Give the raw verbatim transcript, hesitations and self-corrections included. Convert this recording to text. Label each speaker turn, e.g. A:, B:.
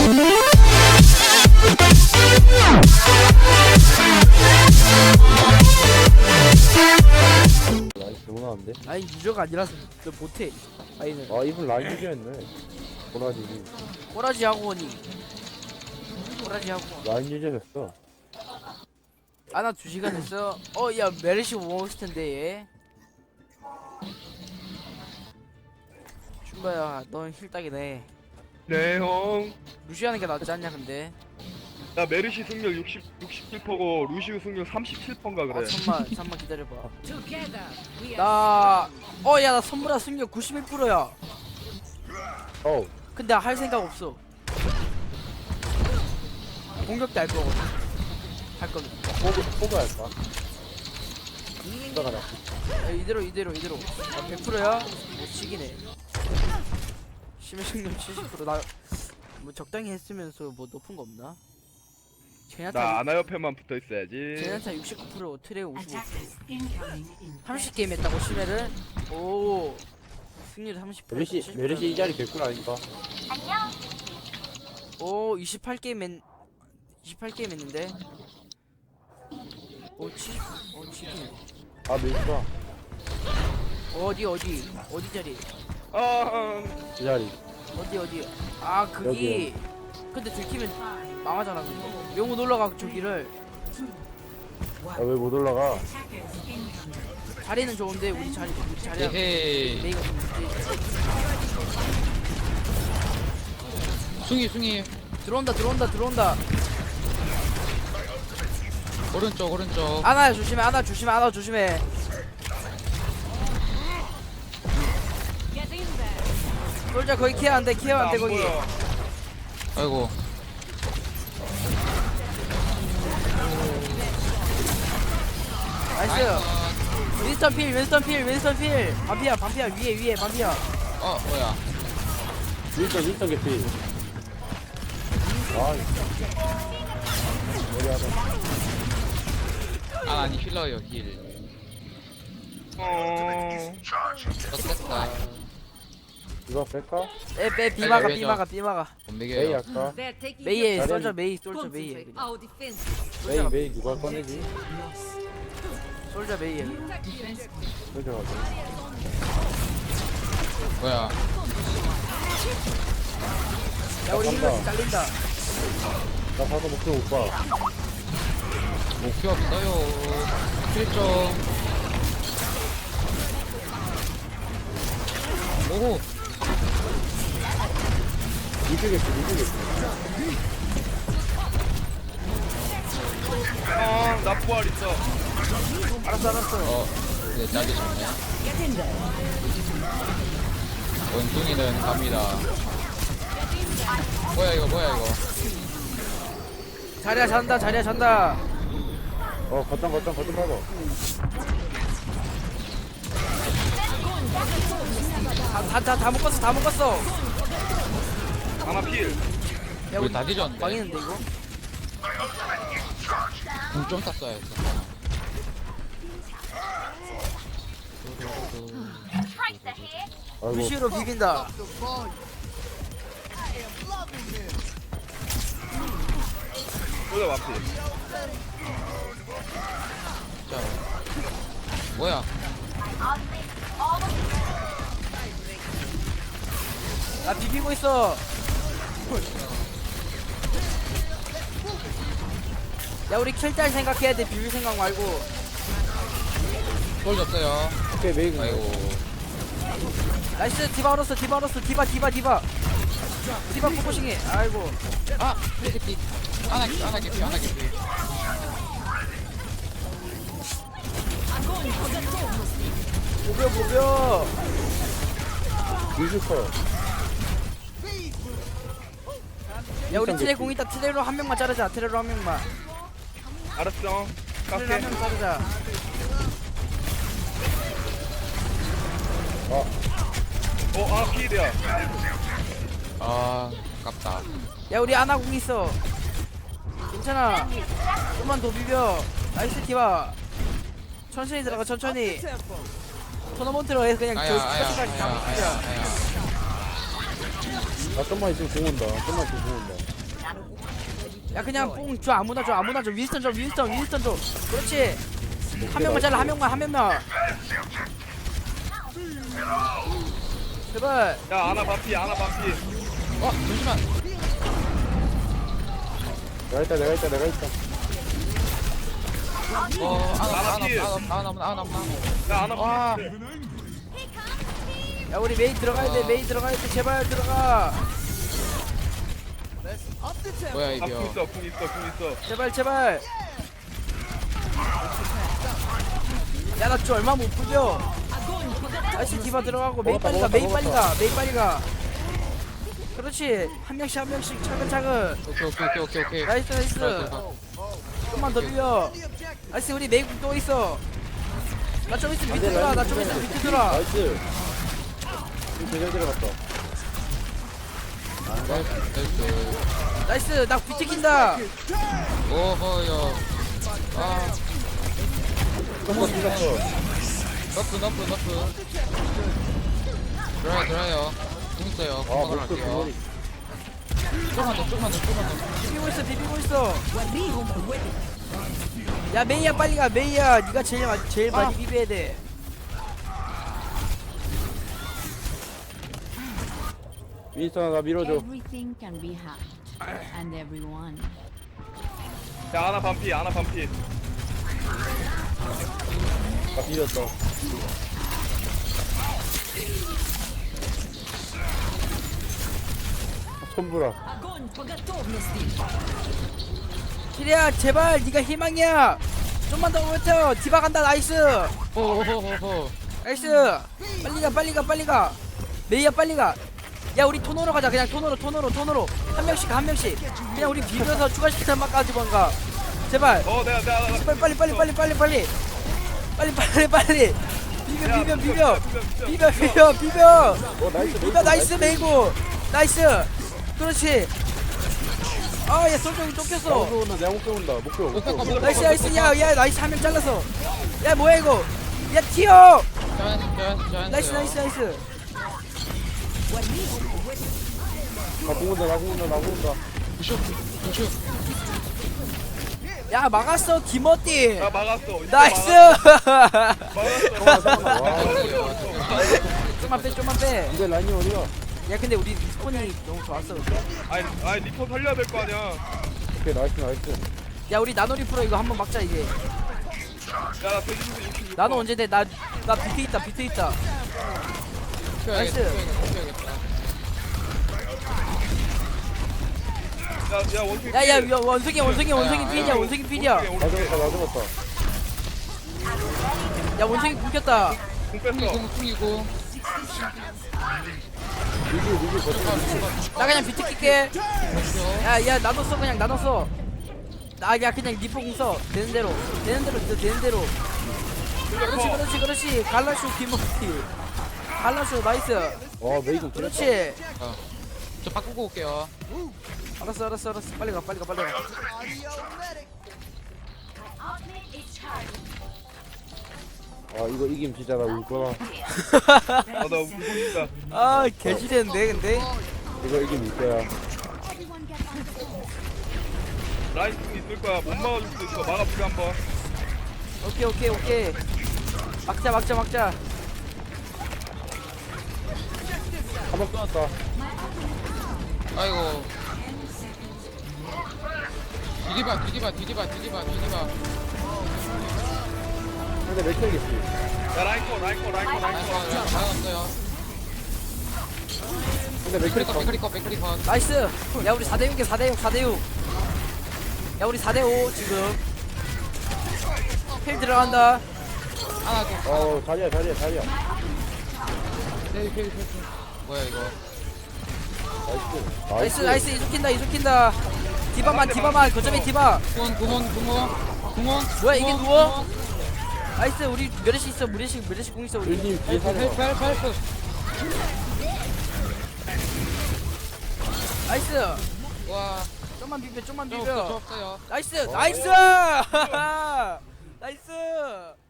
A: 라인 너무 나는데?
B: 아니 유저가 아니라서 너 못해. 아니는
A: 아 이분 라인 유저였네. 보라지
B: 꼬라지 학원이 꼬라지 학원.
A: 라인 유저였어.
B: 아나 두 시간 했어. 어 야 메르시 못 먹을 텐데 얘. 춘바야 넌 힐딱이네.
C: 네, 형.
B: 무시하는 게 낫지 않냐 근데.
C: 나 메르시 승률 육십, 육십칠 퍼센트고 루시우 승률 삼십칠 퍼센트인가
B: 아
C: 그래.
B: 잠만 잠만 기다려봐. 나 어 야 나 선물아 승률 구십일 퍼센트야.
A: 어우
B: 근데 할 생각 없어. 공격 때 할 거거든. 할 거면.
A: 포그 포그 할까? 이따가 나.
B: 야, 이대로 이대로 이대로. 아, 백 퍼센트야? 못 치기네. 심해 승률 칠십 퍼센트. 나 뭐 적당히 했으면서 뭐 높은 거 없나?
C: 나
B: 제나타
C: 아나 옆에만 붙어 있어야지.
B: 제나타 육십구 퍼센트, 트레 오십오 퍼센트. 삼십 게임 했다고 심해를? 오. 승률 삼십 퍼센트.
A: 메르시 메르시 이 자리 개꿀 아닌가?
B: 오 이십팔 게임 했 이십팔 게임 했는데. 오 칠십. 오 칠십.
A: 아 메르시가
B: 어디 어디 어디 자리?
C: 아,
A: 이 자리.
B: 어디 어디? 아 그기. 근데 들키면 망하잖아. 근데. 영웅 놀러가 저기를.
A: 아 왜 못 올라가?
B: 자리는 좋은데 우리 자리 우리 자리야.
D: 에헤이.
B: 메이가 좀 문제.
D: 숭이 숭이
B: 들어온다 들어온다 들어온다.
D: 오른쪽 오른쪽.
B: 아나 조심해 아나 조심해 아나 조심해. 솔자 거기 케어 안돼 케어 안돼
C: 나안
B: 거기.
C: 보여.
D: 아이고.
B: 나이스. 윈스턴 필 윈스턴 필 윈스턴 필. 반피야 반피야 위에 위에 반피야.
D: 어 뭐야?
A: 윈터 윈터 개피. 아 머리 하다.
D: 아 아니 힐러요 힐.
C: 어.
D: 어땠다.
A: 이거 뺄까?
B: 에빼 비마가
D: 아니,
B: 비마가 비마가.
D: 못
A: 메이
D: 매겨요.
A: 할까?
B: 메이에
A: 잘해.
B: 솔자 메이 솔자 메이에 그냥.
A: 메이 메이 누가 꺼내지?
B: 솔자 메이에.
A: 솔져 가자.
D: 뭐야?
B: 야 우리 힐러 잘린다.
A: 나 봐도 목표 못 봐.
D: 목표 없어요. 힐 좀. 오호.
A: 미드 개피 미드 개피.
C: 아, 나 부활 있어.
B: 알았어 알았어.
D: 어. 네 짜기 좋네. 원숭이는 갑니다. 뭐야 이거 뭐야 이거?
B: 자리야 잔다 자리야 잔다.
A: 어 거점 거점 거점 봐봐.
B: 다다다 묶었어 다 묶었어.
C: 아나 필.
B: 야
D: 우리 다 뒤졌는데.
B: 망했는데 이거.
D: 궁좀 탔어야 했어.
A: 아이고
B: 루시로 비빈다.
C: 보자 완필.
D: 자. 뭐야?
B: 나 비비고 있어. 야 우리 킬딸 생각해야 돼. 비빌 생각 말고.
D: 솔 없어요.
A: 오케이 메이.
D: 아이고.
B: 나이스 디바 얼었어 디바 얼었어 디바 디바 디바 디바 포커싱해. 아이고
D: 아 개피. 하나 하나 개피 하나 개피.
B: 보벼 보벼.
A: 뮤지컬.
B: 야 우리 트레 공 있다. 트레로 한 명만 자르자. 트레로 한 명만.
C: 알았어.
B: 트레로
C: 깎게.
B: 한 명 자르자.
A: 어
C: 어, 아, 필이야.
D: 아 깝다.
B: 야 우리 아나 공 있어. 괜찮아. 좀만 더 비벼. 나이스 디바. 천천히 들어가 천천히. 토너먼트로 해 그냥
D: 아야
B: 저
D: 아야
B: 스까지까지 다
D: 아야
B: 먹자.
D: 아야 아야.
A: 나 좀만 있으면 공 온다. 좀만 있으면 공 온다.
B: 야 그냥 뽕 줘 아무나 줘 아무나 줘 윈스턴 줘 윈스턴 윈스턴 줘 그렇지 한 명만 잘라 한 명만 한 명만 제발
C: 야 아나 반피 아나 반피.
D: 어 잠시만.
A: 내가 있다 내가 있다 내가 있다.
D: 어 아나 아나
C: 나라필.
D: 아나 아나 아나 아나 아나.
C: 야 아나
D: 와.
C: 반피.
B: 야 우리 메이 들어가야 돼 메이 들어가야 돼 제발 들어가
D: 뭐야
C: 아궁
D: 이겨.
C: 있어 궁 있어 궁 있어.
B: 제발 제발 야 나 좀 얼마 못 부려 다시 디바 들어가고 메이 빨리 가 메이 빨리 가 메이 빨리 가 그렇지 한 명씩 한 명씩 차근차근
D: 오케이 오케이 오케이 오케이 오케이.
B: 나이스 나이스 좀만 더 비벼 나이스 우리 메이 또 있어 나 좀 있으면 밑에 돌아 나 좀 있으면 밑에 돌아
A: 나이스. 이거 제대로 들어갔다.
D: 나이스.
B: 나이스 나 비트 킨다
D: 오호요. 아
A: 한번 뒤졌어.
D: 너프 너프 너프. 들어요 들어요. 공 있어요.
A: 아
D: 금방
A: 목표
D: 갈게요.
A: 부모님.
D: 조금만 더 조금만 더 조금만 더.
B: 비비고 있어 비비고 있어 야 메이야 빨리 가 메이야 니가 제일 마- 제일 많이 비벼야 돼
A: 윈스턴아 나 밀어줘.
E: Everything can be hacked, and everyone.
C: 야 아나 반피 아나 반피.
A: 나 비볐어. 손보라.
B: 키리야 제발 니가 희망이야 좀만 더 버텨 디바 간다 나이스
D: 호호호호.
B: 나이스 빨리 가 빨리 가 빨리 가 메이야 빨리 가야 우리 토너로 가자 그냥 토너로 토너로 토너로 한 명씩 한 명씩 그냥 우리 비벼서 추가시키는 맛 가지고 가 제발
C: 어 내가 내가 내가.
B: 빨리 빨리 빨리 빨리 빨리 빨리 빨리 빨리 빨리 비벼 비벼 비벼 비벼 비벼 비벼
A: 어 나이스.
B: 비벼 나이스 메이고 나이스 그렇지 아얘 솔직히 쫓겼어
A: 목표 온다 내가 목표 온다. 목표 목표.
B: 나이스 나이스 야야 나이스 한 명 잘랐어 야 뭐야 이거 야 튀어
D: 자연 자연 자연.
B: 나이스 나이스 나이스
A: 나 공온다 나 공온다 나 공온다.
D: 부슈 부슈.
B: 야 막았어 김어띠
C: 야 막았어. 이거
B: 나이스
C: 막았어.
A: 와.
B: 좀만 빼 좀만 빼
A: 근데 라인이 어디야?
B: 야 근데 우리 스폰이 너무 좋았어
C: 아니 아니 리퍼 살려야 될 거 아니야.
A: 오케이 나이스 나이스.
B: 야 우리 나노리 프로 이거 한번 막자 이제
C: 야나 돼지고기 육십육.
B: 나노 언제 돼나나 비트 있다 비트 있다 나이스.
C: 야야 원숭이.
B: 야야 원숭이 원숭이 원숭이 필이야 원숭이 필이야
A: 나 죽었다 나 죽었다.
B: 야 원숭이 굶겼다
C: 공 뺐어.
D: 쿵이공 쿵이공.
A: 리뷰 리뷰 버튼.
B: 나 그냥 비트 킬게 야야 나도 써 그냥 나도 써나야 그냥 리포 공써 되는 대로 되는 대로 써 되는 대로 그렇지 그렇지 그렇지 갈라쇼 김어띠 갈라쇼 나이스
A: 와 메이공 그렇지.
B: 그렇지
D: 저 바꾸고 올게요.
B: 알았어 알았어 알았어 빨리 가 빨리 가 빨리 가
A: 아 이거 이기면 진짜 나 울 거야.
C: 아나 울고 싶다.
B: 아 개지대는데 근데
A: 이거 이기면 울 거야.
C: 라인 궁 있을 거야. 못 막아줄 수도 있어. 막아보자 한번.
B: 오케이 오케이 오케이 막자 막자 막자
A: 한번 끊었다.
D: 아이고. 디디바 디디바 디디바 디디바 디디바.
A: 근데 몇 킬이겠지?
C: 야 라인 거 라인 거 라인 거 라인 거.
D: 나왔어요.
A: 근데 몇 킬이
D: 백크리컷 백크리컷 백크리컷.
B: 나이스 야 우리 사 대 육이야 사 대 육 사 대 육 야 우리 사 대 오 지금 필 들어간다
D: 하나 더.
A: 어 자리야 자리야 자리야.
D: 네, 네, 네, 네. 뭐야 이거?
A: 나이스.
B: 나이스 나이스 이죽킨다 이죽킨다 디바만 디바만 거점에 디바
D: 구원 구원 구원 구원.
B: 뭐야 이게 누워? 나이스 우리 메르시 있어 메르시 메르시 공 있어 우리
A: 일님 뒤에
D: 헬프
A: 사려.
D: 헬프 헬프 헬프.
B: 나이스
D: 와.
B: 좀만 비벼 좀만
D: 저 없어 저
B: 비벼
D: 없어요.
B: 나이스 나이스 나이스